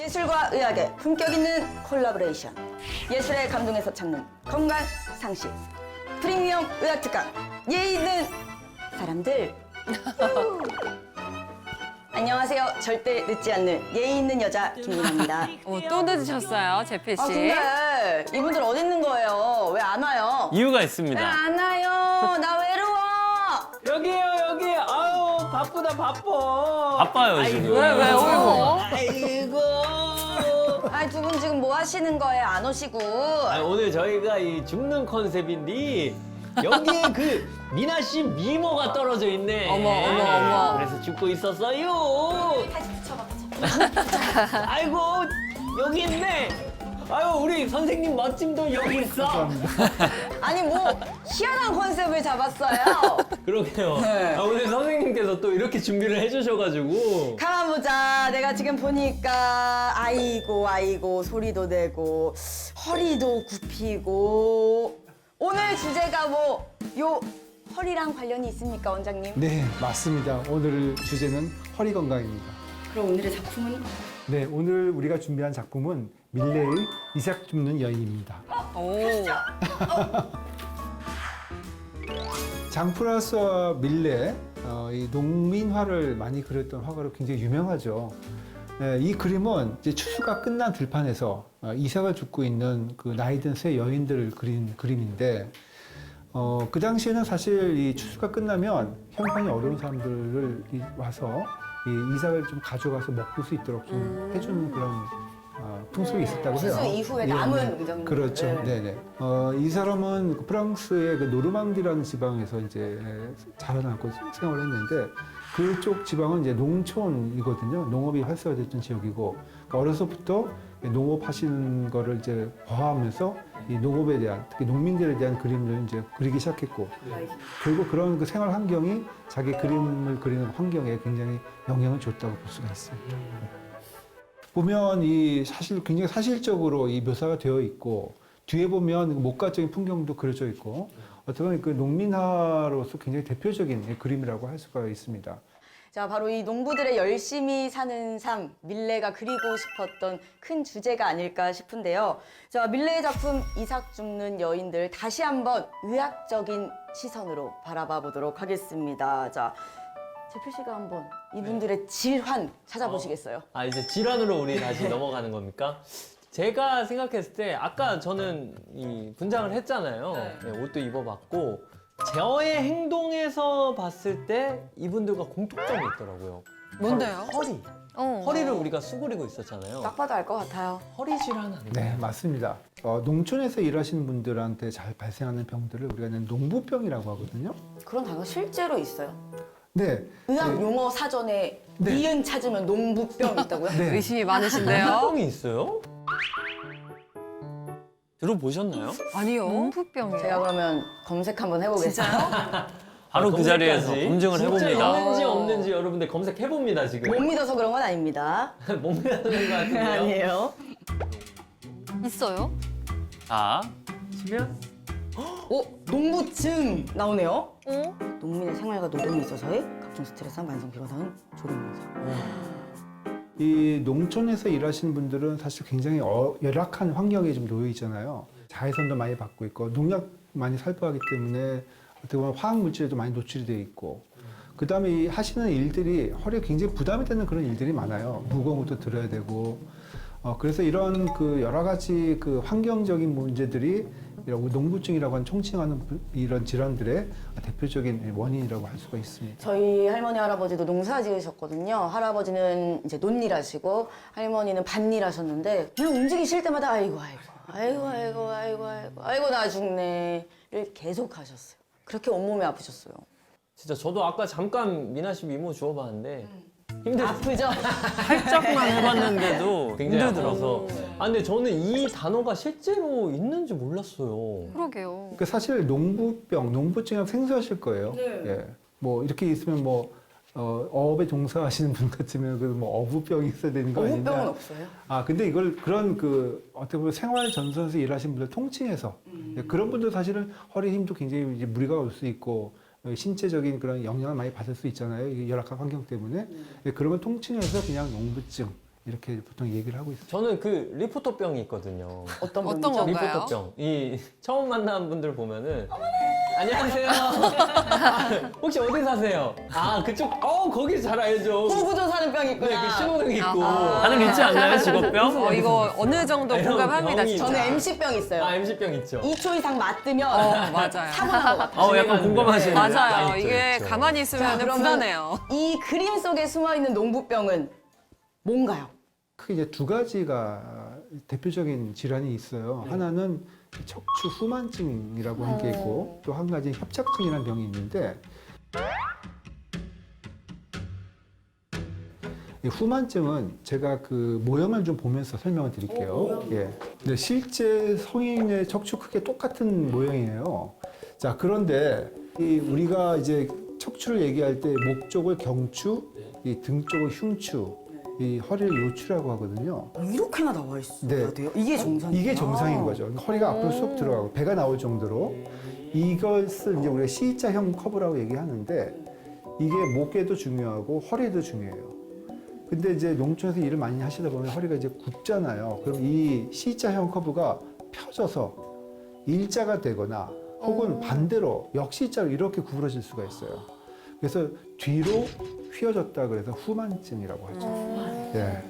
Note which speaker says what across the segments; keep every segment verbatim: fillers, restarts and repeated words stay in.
Speaker 1: 예술과 의학의 품격 있는 콜라보레이션. 예술의 감동에서 찾는 건강 상식. 프리미엄 의학 특강. 예의 있는 사람들. 안녕하세요. 절대 늦지 않는 예의 있는 여자 김민아입니다.
Speaker 2: 어, 또 늦으셨어요, 제필 씨.
Speaker 1: 아 근데 이분들 어디 있는 거예요? 왜 안 와요?
Speaker 3: 이유가
Speaker 1: 왜
Speaker 3: 있습니다.
Speaker 1: 안 와요? 나 외로워.
Speaker 4: 여기요 여기. 아우 바쁘다 바빠.
Speaker 3: 바빠요 지금.
Speaker 2: 왜, 왜, 어이구.
Speaker 4: 아이고.
Speaker 1: 아니 두 분 지금 뭐 하시는 거예요? 안 오시고.
Speaker 4: 아, 오늘 저희가 이 죽는 컨셉인데 여기에 그 미나 씨 미모가 떨어져 있네.
Speaker 2: 어머, 어머, 어머.
Speaker 4: 그래서 죽고 있었어요.
Speaker 1: 다시 붙여봐.
Speaker 4: 아이고 여기 있네. 아유 우리 선생님 멋짐도 여기 있어.
Speaker 1: 아니 뭐 희한한 컨셉을 잡았어요.
Speaker 4: 그러게요.
Speaker 1: 네.
Speaker 4: 아, 오늘 선생님께서 또 이렇게 준비를 해주셔가지고.
Speaker 1: 가만 보자. 내가 지금 보니까 아이고 아이고 소리도 내고 허리도 굽히고 오늘 주제가 뭐 요 허리랑 관련이 있습니까, 원장님?
Speaker 5: 네, 맞습니다. 오늘 주제는 허리 건강입니다.
Speaker 1: 그럼 오늘의 작품은?
Speaker 5: 네, 오늘 우리가 준비한 작품은 밀레의 이삭 줍는 여인입니다.
Speaker 2: 오.
Speaker 5: 장프라스와 밀레, 어, 이 농민화를 많이 그렸던 화가로 굉장히 유명하죠. 네, 이 그림은 이제 추수가 끝난 들판에서 어, 이삭을 줍고 있는 그 나이든 새 여인들을 그린 그림인데, 어, 그 당시에는 사실 이 추수가 끝나면 형편이 어려운 사람들을 이- 와서 이 이삭을 좀 가져가서 먹을 수 있도록 좀
Speaker 2: 음.
Speaker 5: 해주는 그런 어, 풍습이 있었다고 해요.
Speaker 1: 추수 이후에
Speaker 5: 예,
Speaker 1: 남은
Speaker 5: 네.
Speaker 1: 의정들.
Speaker 5: 그렇죠. 네네. 어, 이 사람은 그 프랑스의 그 노르망디라는 지방에서 이제 자라나고 생활을 했는데 그쪽 지방은 이제 농촌이거든요. 농업이 활성화됐던 지역이고 어려서부터 농업하시는 거를 이제 과하면서 이 농업에 대한 특히 농민들에 대한 그림을 이제 그리기 시작했고 결국 그런 그 생활 환경이 자기 그림을 그리는 환경에 굉장히 영향을 줬다고 볼 수가 있습니다. 보면 이 사실 굉장히 사실적으로 이 묘사가 되어 있고 뒤에 보면 목가적인 풍경도 그려져 있고 어떻게 보면 그 농민화로서 굉장히 대표적인 그림이라고 할 수가 있습니다.
Speaker 1: 자, 바로 이 농부들의 열심히 사는 삶, 밀레가 그리고 싶었던 큰 주제가 아닐까 싶은데요. 자, 밀레의 작품 이삭 줍는 여인들 다시 한번 의학적인 시선으로 바라봐 보도록 하겠습니다. 자, 제필 씨가 한번 이분들의 질환 찾아보시겠어요?
Speaker 4: 아 이제 질환으로 우리 다시 넘어가는 겁니까? 제가 생각했을 때 아까 저는 이 분장을 했잖아요. 네, 옷도 입어봤고 저의 행동에서 봤을 때 이분들과 공통점이 있더라고요.
Speaker 2: 뭔데요?
Speaker 4: 바로 허리.
Speaker 2: 어.
Speaker 4: 허리를 우리가 수그리고 있었잖아요.
Speaker 1: 딱 봐도 알 것 같아요.
Speaker 4: 허리 질환 아닌가요?
Speaker 5: 네, 맞습니다. 어, 농촌에서 일하시는 분들한테 잘 발생하는 병들을 우리가 농부병이라고 하거든요.
Speaker 1: 그런 단어 실제로 있어요.
Speaker 5: 네.
Speaker 1: 의학
Speaker 5: 네.
Speaker 1: 용어 사전에
Speaker 5: 네.
Speaker 1: 니은 찾으면 농부병 있다고요?
Speaker 5: 네.
Speaker 2: 의심이 많으신데요?
Speaker 4: 병이 있어요? 들어보셨나요?
Speaker 2: 아니요. 농부병이요.
Speaker 1: 제가 그러면 검색 한번 해보겠어요.
Speaker 3: 바로 그 자리에서
Speaker 4: 검색까지?
Speaker 3: 검증을
Speaker 4: 진짜
Speaker 3: 해봅니다.
Speaker 4: 있는지 없는지 여러분들 검색해봅니다 지금.
Speaker 1: 못 믿어서 그런 건 아닙니다.
Speaker 4: 못 믿는 것 같은데요?
Speaker 1: 아니에요.
Speaker 2: 있어요?
Speaker 3: 자,
Speaker 4: 치면?
Speaker 1: 오, 농부증 나오네요.
Speaker 2: 어?
Speaker 1: 농민의 생활과 노동에 있어서의 각종 스트레스와 만성 피로상, 조력 현상.
Speaker 5: 이 농촌에서 일하시는 분들은 사실 굉장히 어, 열악한 환경에 좀 놓여 있잖아요. 자외선도 많이 받고 있고 농약 많이 살포하기 때문에 어떻게 보면 화학 물질에도 많이 노출이 돼 있고 그 다음에 이 하시는 일들이 허리에 굉장히 부담이 되는 그런 일들이 많아요. 무거운 것도 들어야 되고 어, 그래서 이런 그 여러 가지 그 환경적인 문제들이 이런 농부증이라고 하는 총칭하는 부- 이런 질환들의 대표적인 원인이라고 할 수가 있습니다.
Speaker 1: 저희 할머니 할아버지도 농사 지으셨거든요. 할아버지는 이제 논일 하시고 할머니는 밭일 하셨는데 그냥 움직이실 때마다 아이고 아이고 아이고 아이고 아이고 아이고 아이고 나 죽네를 계속 하셨어요. 그렇게 온몸이 아프셨어요.
Speaker 4: 진짜 저도 아까 잠깐 미나 씨 미모 주워봤는데 힘들
Speaker 1: 아프죠?
Speaker 3: 살짝만 해봤는데도
Speaker 4: 굉장히
Speaker 3: 힘들더라고요.
Speaker 4: 아파서. 아 근데 저는 이 단어가 실제로 있는지 몰랐어요.
Speaker 2: 그러게요.
Speaker 5: 그러니까 사실 농부병, 농부증이랑 생소하실 거예요.
Speaker 1: 네.
Speaker 5: 예. 뭐 이렇게 있으면 뭐 어, 어업에 종사하시는 분 같으면 그뭐 어부병이 있어야 되는 거 아니냐?
Speaker 1: 어부병은 없어요.
Speaker 5: 아 근데 이걸 그런 그 어떻게 보면 생활 전선에서 일하시는 분들 통칭해서 예, 그런 분들 사실은 허리 힘도 굉장히 이제 무리가 올 수 있고 어, 신체적인 그런 영향을 많이 받을 수 있잖아요. 이 열악한 환경 때문에 예, 그런 걸 통칭해서 그냥 농부증 이렇게 보통 얘기를 하고 있어요.
Speaker 4: 저는 그 리포터병이 있거든요.
Speaker 1: 어떤
Speaker 2: 어떤
Speaker 1: 병이죠?
Speaker 2: 건가요?
Speaker 4: 리포터병. 이 처음 만난 분들 보면은 안녕하세요. 혹시 어디 사세요? 아 그쪽. 어 거기 잘 알죠.
Speaker 1: 호구조사는 병이
Speaker 4: 네,
Speaker 1: 있구나.
Speaker 4: 그 신호등 있고.
Speaker 2: 아하.
Speaker 3: 다들 있지 않나요, 직업병?
Speaker 2: 어, 이거 어느 정도
Speaker 4: 이런
Speaker 2: 공감합니다,
Speaker 4: 병이
Speaker 2: 진짜.
Speaker 1: 저는 엠씨병 있어요.
Speaker 4: 아 엠씨병 있죠.
Speaker 1: 이 초 이상 맞으면
Speaker 2: 어, 맞아요.
Speaker 1: 사고 난것 같아요.
Speaker 3: 어, 약간 공감하시는데.
Speaker 2: 맞아요.
Speaker 4: 있죠,
Speaker 2: 이게
Speaker 4: 있죠.
Speaker 2: 가만히 있으면
Speaker 1: 자, 그러면
Speaker 2: 불안해요.
Speaker 1: 이 그림 속에 숨어 있는 농부병은 뭔가요?
Speaker 5: 크게 이제 두 가지가 대표적인 질환이 있어요. 하나는 척추 후만증이라고 하는 게 있고 또 한 가지 협착증이라는 병이 있는데 이 후만증은 제가 그 모형을 좀 보면서 설명을 드릴게요. 예. 근데 실제 성인의 척추 크게 똑같은 모형이에요. 자, 그런데 이 우리가 이제 척추를 얘기할 때 목 쪽을 경추, 이 등 쪽을 흉추, 이 허리를 요추라고 하거든요.
Speaker 1: 이렇게나 나와 있어야
Speaker 5: 네.
Speaker 1: 돼요? 이게 정상이에요?
Speaker 5: 이게 정상인 거죠. 그러니까 허리가 앞으로 쑥 들어가고 배가 나올 정도로 이것을 이제 우리가 C자형 커브라고 얘기하는데 이게 목에도 중요하고 허리에도 중요해요. 근데 이제 농촌에서 일을 많이 하시다 보면 허리가 이제 굽잖아요. 그럼 이 C자형 커브가 펴져서 일자가 되거나 혹은 반대로 역시자로 이렇게 구부러질 수가 있어요. 그래서 뒤로 휘어졌다 그래서 후만증이라고 하죠. 예.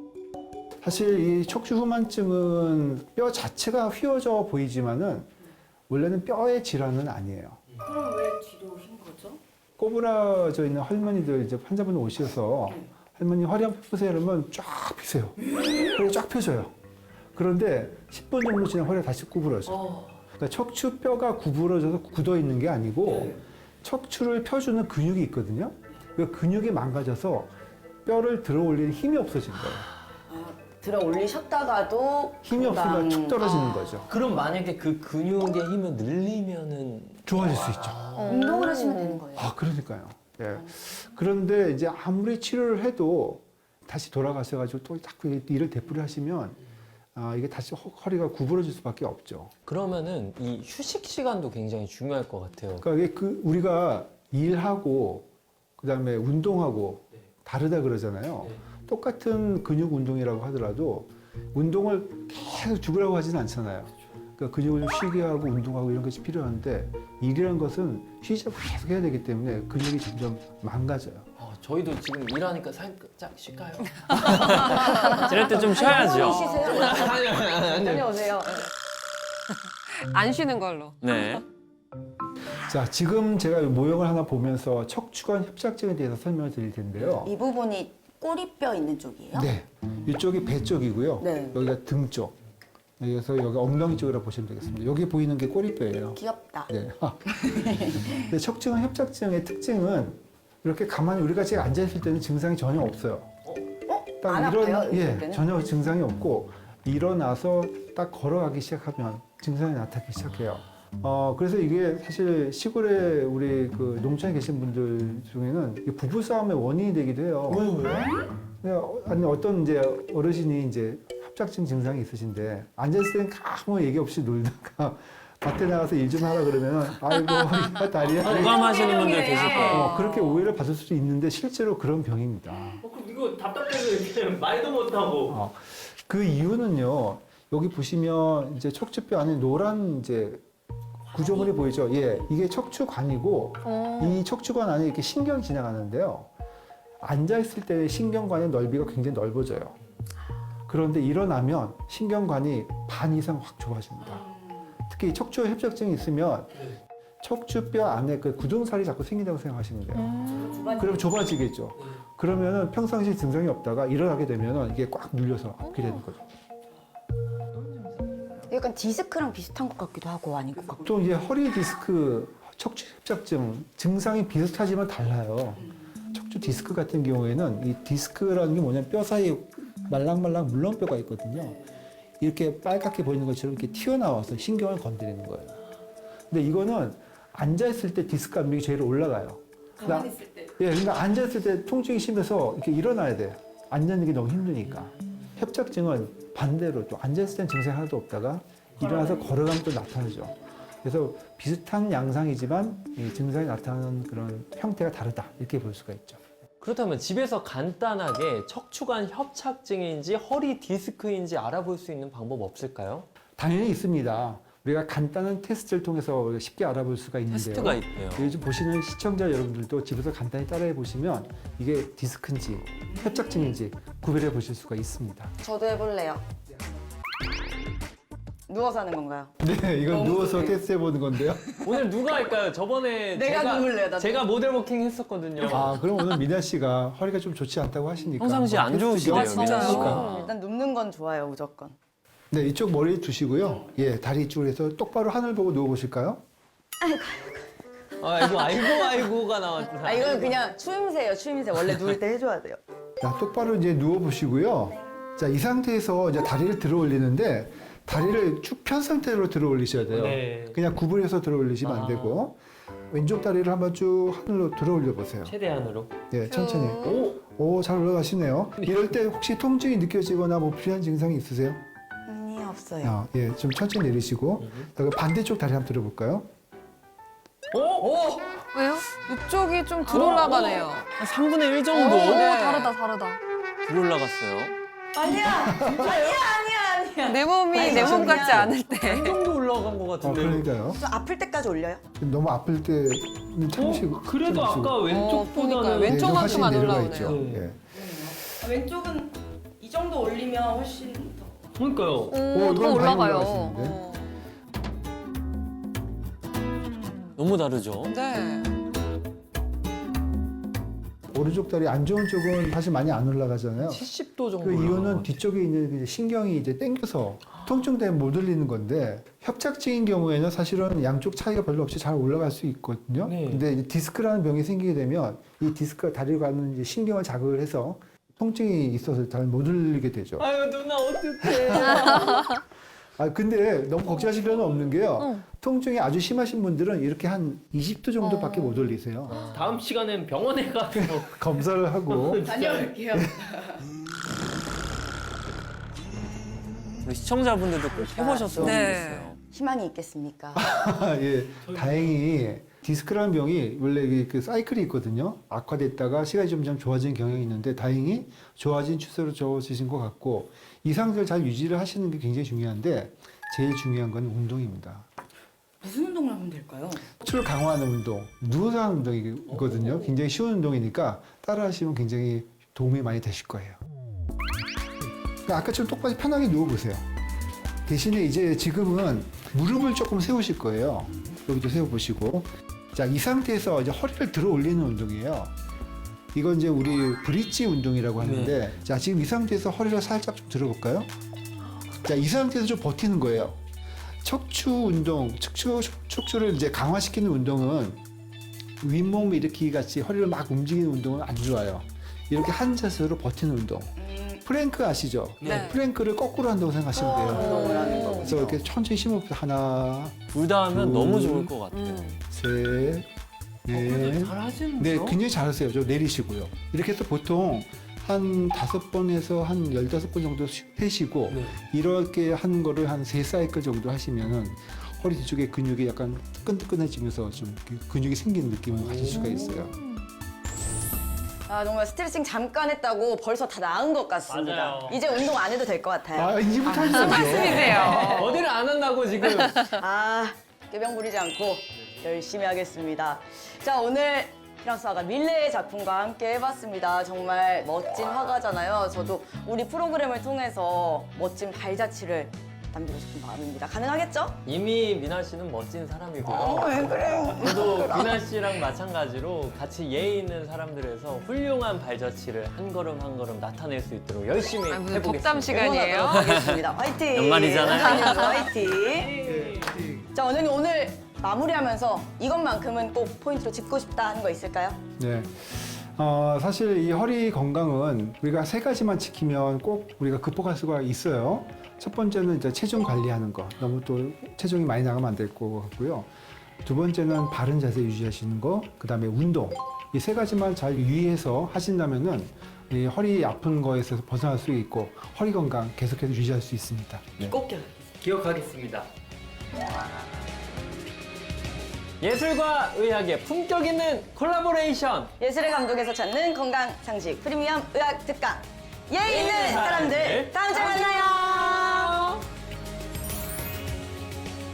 Speaker 5: 사실 이 척추 후만증은 뼈 자체가 휘어져 보이지만은 원래는 뼈의 질환은 아니에요.
Speaker 1: 그럼 왜 뒤로 흰 거죠?
Speaker 5: 꼬부라져 있는 할머니들 이제 환자분 오셔서 할머니 허리 한번 펴보세요 이러면 쫙 펴세요. 허리가 쫙 펴져요. 그런데 십 분 정도 지나면 허리가 다시 구부러져. 그러니까 척추뼈가 구부러져서 굳어 있는 게 아니고 척추를 펴주는 근육이 있거든요. 그 근육이 망가져서 뼈를 들어 올리는 힘이 없어진 거예요.
Speaker 1: 아, 들어 올리셨다가도
Speaker 5: 힘이
Speaker 1: 금방-
Speaker 5: 없으면 쭉 떨어지는
Speaker 1: 아,
Speaker 5: 거죠.
Speaker 4: 그럼 만약에 그 근육의 힘을 늘리면은
Speaker 5: 좋아질 수 있죠.
Speaker 1: 운동을 하시면 되는 거예요.
Speaker 5: 아, 그러니까요. 예. 그런데 이제 아무리 치료를 해도 다시 돌아가셔가지고 또 자꾸 일을 되풀이 하시면 아, 이게 다시 허- 허리가 구부러질 수밖에 없죠.
Speaker 4: 그러면은 이 휴식 시간도 굉장히 중요할 것 같아요.
Speaker 5: 그러니까 이게 그 우리가 일하고 그다음에 운동하고 다르다 그러잖아요. 똑같은 근육 운동이라고 하더라도 운동을 계속 죽으라고 하지는 않잖아요. 그러니까 근육을 좀 쉬게 하고 운동하고 이런 것이 필요한데 일이라는 것은 쉬지 않고 계속 해야 되기 때문에 근육이 점점 망가져요.
Speaker 4: 어, 저희도 지금 일하니까 살짝 쉴까요?
Speaker 3: 저럴 때 좀 쉬어야죠.
Speaker 1: 쉬세요. 다녀오세요.
Speaker 2: 안 쉬는 걸로.
Speaker 3: 네.
Speaker 5: 자, 지금 제가 이 모형을 하나 보면서 척추관 협착증에 대해서 설명을 드릴 텐데요.
Speaker 1: 이 부분이 꼬리뼈 있는 쪽이에요?
Speaker 5: 네, 이쪽이 배 쪽이고요.
Speaker 1: 네.
Speaker 5: 여기가 등 쪽. 그래서 여기 엉덩이 쪽이라고 보시면 되겠습니다. 여기 보이는 게 꼬리뼈예요.
Speaker 1: 귀엽다.
Speaker 5: 네. 근데 척추관 협착증의 특징은 이렇게 가만히 우리가 지금 앉아 있을 때는 증상이 전혀 없어요. 딱
Speaker 1: 안
Speaker 5: 일어나-
Speaker 1: 아파요,
Speaker 5: 예,
Speaker 1: 이럴 때는?
Speaker 5: 전혀 증상이 없고 일어나서 딱 걸어가기 시작하면 증상이 나타나기 시작해요. 어, 그래서 이게 사실 시골에 우리 그 농촌에 계신 분들 중에는 이게 부부싸움의 원인이 되기도 해요. 그냥 어- 아니 어떤 이제 어르신이 이제 협착증 증상이 있으신데 앉아있을 때는 아무 얘기 없이 놀다가 밭에 나가서 일 좀 하라 그러면 아이고 허리가 다리야.
Speaker 3: 공감하시는 분들 계실 거예요.
Speaker 5: 어, 그렇게 오해를 받을 수도 있는데 실제로 그런 병입니다.
Speaker 4: 그럼 이거 답답해서 이렇게 말도 못하고.
Speaker 5: 어, 그 이유는요. 여기 보시면 이제 척추뼈 안에 노란 이제 구조물이 보이죠. 예, 이게 척추관이고 이 척추관 안에 이렇게 신경이 지나가는데요. 앉아 있을 때 신경관의 넓이가 굉장히 넓어져요. 그런데 일어나면 신경관이 반 이상 확 좁아집니다. 특히 척추 협착증이 있으면 척추뼈 안에 그 굳은살이 자꾸 생긴다고 생각하시면 돼요. 그럼 좁아지겠죠. 그러면은 평상시 증상이 없다가 일어나게 되면은 이게 꽉 눌려서 아프게 되는 거죠.
Speaker 1: 약간 디스크랑 비슷한 것 같기도 하고 아닌 것 같고.
Speaker 5: 또 이제 허리 디스크, 척추 협착증 증상이 비슷하지만 달라요. 척추 디스크 같은 경우에는 이 디스크라는 게 뭐냐면 뼈 사이에 말랑말랑 물렁뼈가 있거든요. 이렇게 빨갛게 보이는 것처럼 이렇게 튀어나와서 신경을 건드리는 거예요. 근데 이거는 앉아있을 때 디스크 압력이 제일 올라가요. 가만히 있을 때? 예, 그러니까 앉아있을 때 통증이 심해서 이렇게 일어나야 돼요. 앉는 게 너무 힘드니까. 협착증은 반대로 또 앉아있을 땐 증상이 하나도 없다가 일어나서 걸어가면 또 나타나죠. 그래서 비슷한 양상이지만 이 증상이 나타나는 그런 형태가 다르다. 이렇게 볼 수가 있죠.
Speaker 4: 그렇다면 집에서 간단하게 척추관 협착증인지 허리 디스크인지 알아볼 수 있는 방법 없을까요?
Speaker 5: 당연히 있습니다. 우리가 간단한 테스트를 통해서 쉽게 알아볼 수가 있는데요.
Speaker 3: 테스트가 있대요.
Speaker 5: 요즘 보시는 시청자 여러분들도 집에서 간단히 따라해 보시면 이게 디스크인지 협착증인지 구별해 보실 수가 있습니다.
Speaker 1: 저도 해볼래요. 누워서 하는 건가요?
Speaker 5: 네, 이건
Speaker 1: 너무
Speaker 5: 누워서
Speaker 1: 좋네요.
Speaker 5: 테스트해 보는 건데요.
Speaker 4: 오늘 누가 할까요? 저번에
Speaker 1: 내가
Speaker 4: 제가,
Speaker 1: 누울래요, 나도.
Speaker 4: 제가 모델 워킹 했었거든요.
Speaker 5: 아, 그럼 오늘 미나 씨가 허리가 좀 좋지 않다고 하시니까
Speaker 3: 평상시에 안
Speaker 5: 한번 테스트
Speaker 3: 좋으시대요,
Speaker 5: 좀
Speaker 3: 미나 씨가.
Speaker 5: 해볼까요?
Speaker 1: 일단 눕는 건 좋아요, 무조건.
Speaker 5: 네, 이쪽 머리 두시고요. 예, 다리 이쪽으로 해서 똑바로 하늘 보고 누워 보실까요?
Speaker 4: 아이고 아이고 아이고가 나왔다.
Speaker 1: 아, 이건 그냥 추임새예요, 추임새. 원래 누울 때 해줘야 돼요.
Speaker 5: 자, 똑바로 이제 누워 보시고요. 자, 이 상태에서 이제 다리를 들어 올리는데 다리를 쭉 편 상태로 들어 올리셔야 돼요.
Speaker 4: 네.
Speaker 5: 그냥 구부려서 들어 올리시면 안
Speaker 4: 아.
Speaker 5: 되고 왼쪽 다리를 한번 쭉 하늘로 들어 올려 보세요.
Speaker 4: 최대한으로.
Speaker 5: 예, 천천히.
Speaker 4: 오,
Speaker 5: 오, 잘 올라가시네요. 이럴 때 혹시 통증이 느껴지거나 뭐 불리한 증상이 있으세요?
Speaker 1: 아니, 없어요.
Speaker 5: 아, 예, 좀 천천히 내리시고. 자, 반대쪽 다리 한번 들어볼까요?
Speaker 4: 오, 오.
Speaker 2: 왜요? 이쪽이 좀 들 올라가네요.
Speaker 3: 한 삼분의 일 정도
Speaker 2: 오, 다르다, 다르다.
Speaker 3: 들 올라갔어요.
Speaker 1: 아니야! 아니야, 아니야, 아니야.
Speaker 2: 내 몸이
Speaker 1: 아니,
Speaker 2: 내 몸
Speaker 1: 그냥-
Speaker 2: 같지 않을 때.
Speaker 4: 한 정도 올라간 것
Speaker 5: 아,
Speaker 4: 같은데.
Speaker 5: 그러니까요.
Speaker 1: 좀 아플 때까지 올려요?
Speaker 5: 너무 아플 때는 참으시고.
Speaker 4: 어, 그래도
Speaker 5: 참으시고.
Speaker 4: 아까
Speaker 2: 어,
Speaker 4: 왼쪽보다는
Speaker 2: 그러니까요.
Speaker 5: 네,
Speaker 2: 왼쪽
Speaker 5: 좀
Speaker 2: 만큼
Speaker 5: 훨씬
Speaker 2: 안
Speaker 5: 내려가
Speaker 2: 올라오네요.
Speaker 5: 있죠.
Speaker 4: 네.
Speaker 5: 예.
Speaker 1: 왼쪽은 이 정도 올리면 훨씬 더.
Speaker 4: 그러니까요.
Speaker 2: 오,
Speaker 5: 오,
Speaker 2: 더
Speaker 5: 이건 많이
Speaker 2: 올라가요.
Speaker 5: 올라가시는데?
Speaker 2: 어.
Speaker 3: 너무 다르죠?
Speaker 2: 네.
Speaker 5: 오른쪽 다리 안 좋은 쪽은 사실 많이 안 올라가잖아요.
Speaker 4: 칠십 도 정도.
Speaker 5: 그 이유는
Speaker 4: 올라간 것
Speaker 5: 뒤쪽에 있는 이제 신경이 이제 땡겨서 통증 때문에 못 올리는 건데 협착증인 경우에는 사실은 양쪽 차이가 별로 없이 잘 올라갈 수 있거든요.
Speaker 4: 네.
Speaker 5: 근데 이제 디스크라는 병이 생기게 되면 이 디스크가 다리로 가는 이제 신경을 자극을 해서 통증이 있어서 잘 못 올리게 되죠.
Speaker 4: 아유 누나 어떡해.
Speaker 5: 아 근데 너무 걱정하실 필요는 없는 게요.
Speaker 2: 응.
Speaker 5: 통증이 아주 심하신 분들은 이렇게 한 이십 도 정도밖에
Speaker 2: 어.
Speaker 5: 못 올리세요.
Speaker 4: 다음 시간엔 병원에 가서
Speaker 5: 검사를 하고
Speaker 1: 다녀올게요.
Speaker 3: 우리 시청자분들도 꼭 해보셨으면
Speaker 2: 네.
Speaker 3: 좋겠어요.
Speaker 1: 희망이 있겠습니까?
Speaker 5: 예, 다행히 디스크라는 병이 원래 이게 그 사이클이 있거든요. 악화됐다가 시간이 점점 좋아지는 경향이 있는데 다행히 좋아진 추세로 좋아지신 것 같고 이 상태를 잘 유지를 하시는 게 굉장히 중요한데 제일 중요한 건 운동입니다.
Speaker 1: 무슨 운동을 하면 될까요?
Speaker 5: 척추를 강화하는 운동, 누워서 하는 운동이거든요. 굉장히 쉬운 운동이니까 따라하시면 굉장히 도움이 많이 되실 거예요. 그러니까 아까처럼 똑바로 편하게 누워보세요. 대신에 이제 지금은 무릎을 조금 세우실 거예요. 여기도 세워보시고. 자, 이 상태에서 이제 허리를 들어 올리는 운동이에요. 이건 이제 우리 브릿지 운동이라고 하는데, 자, 지금 이 상태에서 허리를 살짝 좀 들어볼까요? 자, 이 상태에서 좀 버티는 거예요. 척추 운동, 척추, 척추를 이제 강화시키는 운동은 윗몸 일으키기 같이 허리를 막 움직이는 운동은 안 좋아요. 이렇게 한 자세로 버티는 운동. 프랭크 아시죠?
Speaker 2: 네.
Speaker 5: 프랭크를 거꾸로 한다고 생각하시면 돼요.
Speaker 1: 운동을 하는 거.
Speaker 5: 그래서 이렇게 천천히 심호흡 하나,
Speaker 3: 둘 다 하면
Speaker 5: 둘.
Speaker 3: 너무 좋을 것 같아요.
Speaker 2: 음.
Speaker 5: 셋, 넷.
Speaker 4: 잘 하시는
Speaker 5: 네,
Speaker 4: 거.
Speaker 5: 굉장히 잘하세요. 저 내리시고요. 이렇게 해서 보통 한 다섯 번에서 한 열다섯 번 정도 쉬- 쉬시고
Speaker 4: 네.
Speaker 5: 이렇게 하는 거를 한 세 사이클 정도 하시면은 허리 뒤쪽에 근육이 약간 뜨끈뜨끈해지면서 좀 이렇게 근육이 생기는 느낌을 가질 수가 있어요.
Speaker 1: 아, 정말 스트레칭 잠깐 했다고 벌써 다 나은 것 같습니다.
Speaker 4: 맞아요.
Speaker 1: 이제 운동 안 해도 될 것 같아요.
Speaker 5: 아, 이제부터 하시죠.
Speaker 2: 말씀이세요.
Speaker 4: 어디를 안 한다고 지금.
Speaker 1: 아, 꾀병 부리지 않고 열심히 하겠습니다. 자, 오늘 프랑스 화가 밀레의 작품과 함께 해봤습니다. 정말 멋진 화가잖아요. 저도 우리 프로그램을 통해서 멋진 발자취를 남기고 싶은 마음입니다. 가능하겠죠?
Speaker 4: 이미 미나 씨는 멋진 사람이고요.
Speaker 1: 어, 왜 그래요?
Speaker 4: 저도 미나 씨랑 마찬가지로 같이 예의 있는 사람들에서 훌륭한 발자취를 한 걸음 한 걸음 나타낼 수 있도록 열심히
Speaker 2: 아, 무슨
Speaker 4: 해보겠습니다.
Speaker 2: 덕담 시간이에요?
Speaker 1: 응원하도록 하겠습니다. 화이팅!
Speaker 3: 연말이잖아요.
Speaker 1: 한상현수 화이팅! 자, 원장님 오늘 마무리하면서 이것만큼은 꼭 포인트로 짚고 싶다 하는 거 있을까요?
Speaker 5: 네. 어, 사실 이 허리 건강은 우리가 세 가지만 지키면 꼭 우리가 극복할 수가 있어요. 첫 번째는 이제 체중 관리하는 거. 너무 또 체중이 많이 나가면 안 될 것 같고요. 두 번째는 바른 자세 유지하시는 거. 그 다음에 운동. 이 세 가지만 잘 유의해서 하신다면은 이 허리 아픈 거에서 벗어날 수 있고 허리 건강 계속해서 유지할 수 있습니다.
Speaker 1: 꼭 기억.
Speaker 4: 기억하겠습니다. 예술과 의학의 품격 있는 콜라보레이션.
Speaker 1: 예술의 감독에서 찾는 건강 상식 프리미엄 의학 특강. 예 있는
Speaker 4: 사람들.
Speaker 1: 사람들 다음 주에 만나요.